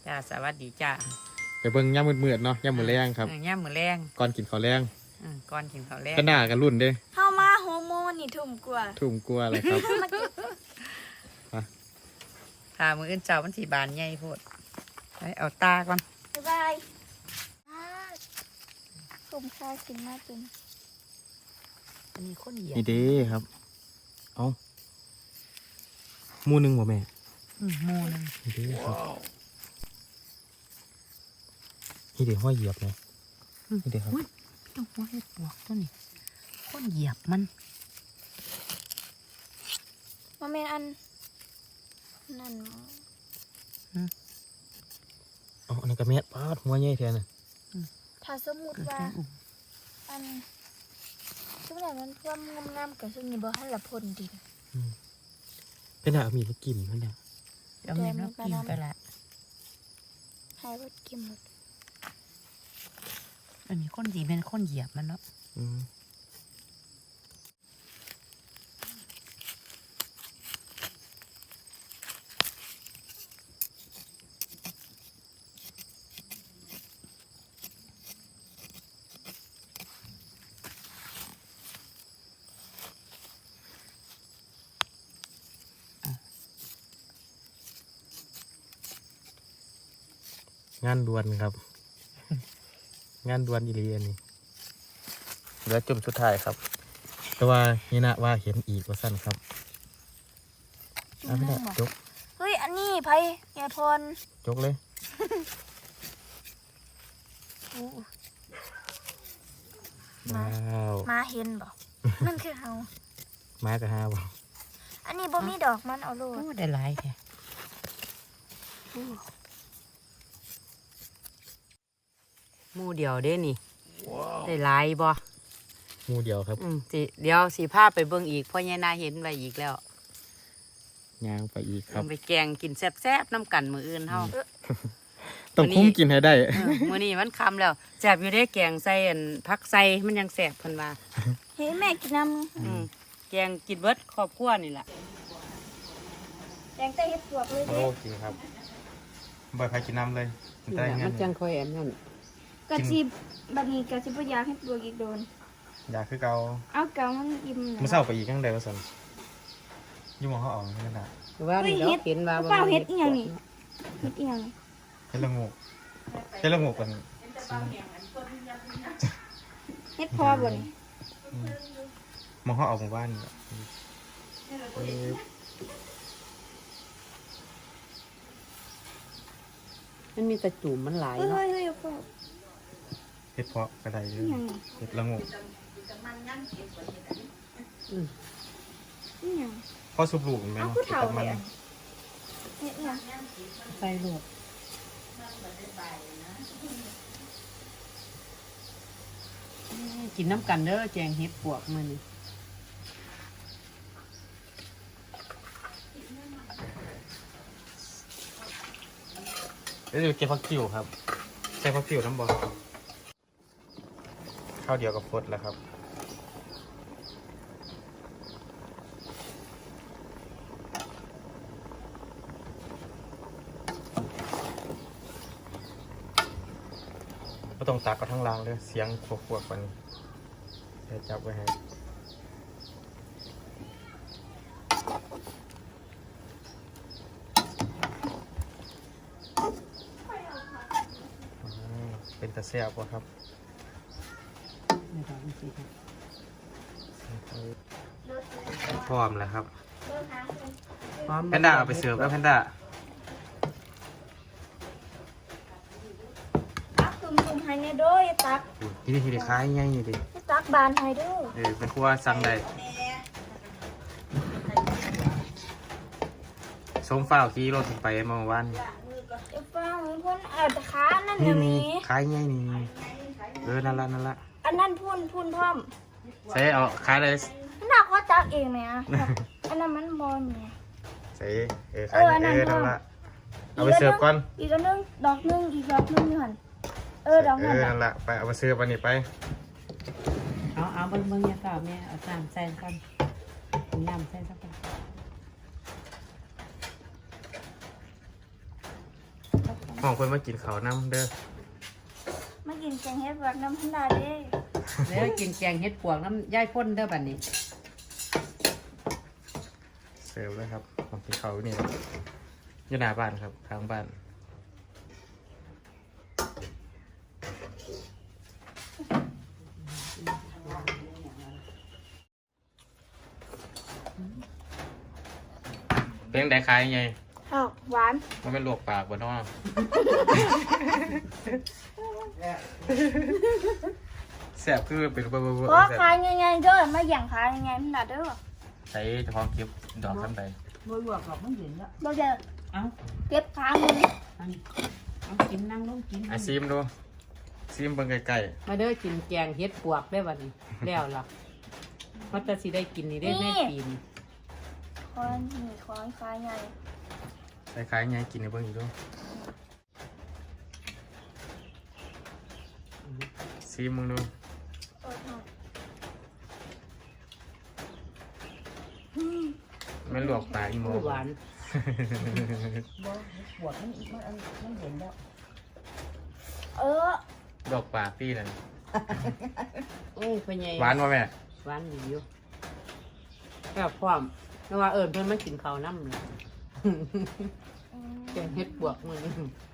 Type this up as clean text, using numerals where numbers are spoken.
จ้าสวัสดีจ้าไปเบิ่งย่ำมืดๆเนาะย่ำมือแรงครับย่ำมือแรงก่อนกินข้าวแรงก่อนกินข้าวแรงก็หน้ากันรุ่นเด้เข้ามาโฮโมนี่ทุ่มกลัวอะไรครับถ้ามืออื่นเจ้ามันสีบานใหญ่โพดไปเอาตาก่อนบ๊ายบายผมค่ากินมากจริงอันนี้คนเหยียบนี่เด้ครับเอามูนึงบ่แม่มูนึงนี่เด้ครับนี่เด้ห้อยเหยียบเลยนี่เด้ครับต้องหัวเห็ดปวกตัวนี้คนเหยียบมันเมนอันนั่นอ๋ออันนี้ก็แม่ปาดหัวใหญ่แท้น่ะถ้าสมมุติว่าอันช่วงไหนมันท่วมงามๆกับช่วงนี้บ่ให้ละพ่นดิเป็นอะมีลูกกิมเพิ่นน่ะเอามีลูกกิมไปละให้ว่ากิมหมดอันนี้คนดีเป็นคนเหยียบมันเนาะงานด่วนครับงานด่วนอีหลีอันนี้เหลือจุ่มสุดท้ายครับแต่ว่านี่นะว่าเห็นอีกว่าสั้นครับไม่ได้จกเฮ้ยอันนี้ไผยายพรจกเลยมาเห็นบ่มันคือเฮามากับฮาบ่อันนี้บ่มีดอกมันเอาโลดได้หลายแท้หมู่เดียวเด้นี่ได้หลายบ่หมู่เดียวครับเดี๋ยวสีผ้าไปเบิ่งอีกเพราะยายนาเห็นไปอีกแล้วย่างไปอีกครับไปแกงกินแซ่บๆน้ำกันมื้ออื่นเฮาต้องคุ้มกินให้ได้มื้อนี้มันค่ำแล้วแซ่บอยู่ได้แกงใส่ผักใส่มันยังแซ่บเพิ่นว่าเฮ้ยแม่กินน้ำแกงกินเบิดครอบครัวนี่ล่ะแกงใส่เห็ดปวกเลยโอเคครับบ่ใครกินน้ำเลยมันจังค่อยอันนั้นกะจิบบัดนี้กะจิบ่อยากให้ปวกอีกโดนอยากคือเก่าเอาเก่ามันอิ่มมื้อเช้าไปอีกจังได๋ว่าซั่นอยู่มองเขาออกนั่นน่ะว่านี่เราเห็นว่าเปล่าเฮ็ดอีหยังนี่เฮ็ดอีหยังเฮ็ดละงูเฮ็ดละงูกันเฮ็ดพอบ่นี่มองเขาออกหมู่บ้านมันมีตะจุ่มมันหลายเนาะเฮ้ยเฮ็ดเพาะกระไดเลยเฮ็ดละงูพอสุบลูกแม่เนาะตัดมันใส่ลูกกินน้ำกันเด้อแจงเฮ็ดปวกมันเดี๋ยวเก็บผักติ๋วครับใส่ผักติ๋วน้ำบอลข้าวเดียวกับพดแล้วครับไม่ต้องตักก็ทั้งรางเลยเสียงขวบๆกันจะจับไว้ให้เป็นตะเสียบวะครับพร้อมแล้วครับแพนด้าเอาไปเสิร์ฟแล้วแพนด้าตุ่มให้เนี่ยด้วยตักที่นี่คล้ายง่ายนี่ดิตักบานให้ด้วยเป็นครัวสั่งได้ส้มฟ้าขี่รถไปเมื่อวานฟ้าพ่นแต่ขานั่นเดี๋ยวนี้คล้ายง่ายนี่นั่นละอันนั้นพ่นพร้อมใส่เอาคล้ายเลยน่าก็ตักเองไหมอ่ะอันนั้นมันบอลไงใส่คล้ายนั่นละเอาไปเสิร์ฟก่อนอีกอันนึงดอกนึงอีกดอกนึงนี่หันดอกนั่นละไปเอาไปเสิร์ฟอันนี้ไปเอาเบิ่งเนี่ยค่ะแม่เอาน้ำใส่กันน้ำใส่สักกันนห้องเพิ่นมากินข้าวน้ำเด้อมากินแกงเฮ็ดแบบน้ำพันดาเด้แล้วกินแกงเฮ็ดปวกน้ำย่ายพ่นเด้อบัดนี้เสิร์ฟเลยครับของกินข้าวอยู่นี่ครับอยู่หน้าบ้านครับทางบ้านเป็นได้ขายยังไงข้าวหวานมันเป็นลวกปากบ่เนาะแซ่บคือเป็นเบอร์เพราะขายง่ายๆเด้อมาอย่างขายง่ายๆพันดาเด้อใช้เฉพาะคลิปดอกซ้ำใดบ่ลวกหรอกมันเย็นแล้วบ่เด้อเอาเก็บขามืออันเอากินนั่งลงกินไอซีมดูซีมเบิ่งใกล้มาเด้อกินแกงเฮ็ดปวกได้อบัดนี้แล้วล่ะมันจะสิได้กินนี่ได้ในปีนคอยนี่คอยขายง่ายๆคล้ายๆไงกินในเบิ่งอีกดูซีมมึงดูเออไม่ลวกปากอีโมหวานบ่ปวกมันเย็นแล้วเออลวกปากพี่นั่นโอ้ยพ่อใหญ่หวานป่ะแม่หวานดีอยู่ก็พร้อมแต่ว่าเอิญเพิ่นมากินข้าวน้ำเลยอืมแกงเฮ็ดปวกมื้อนี้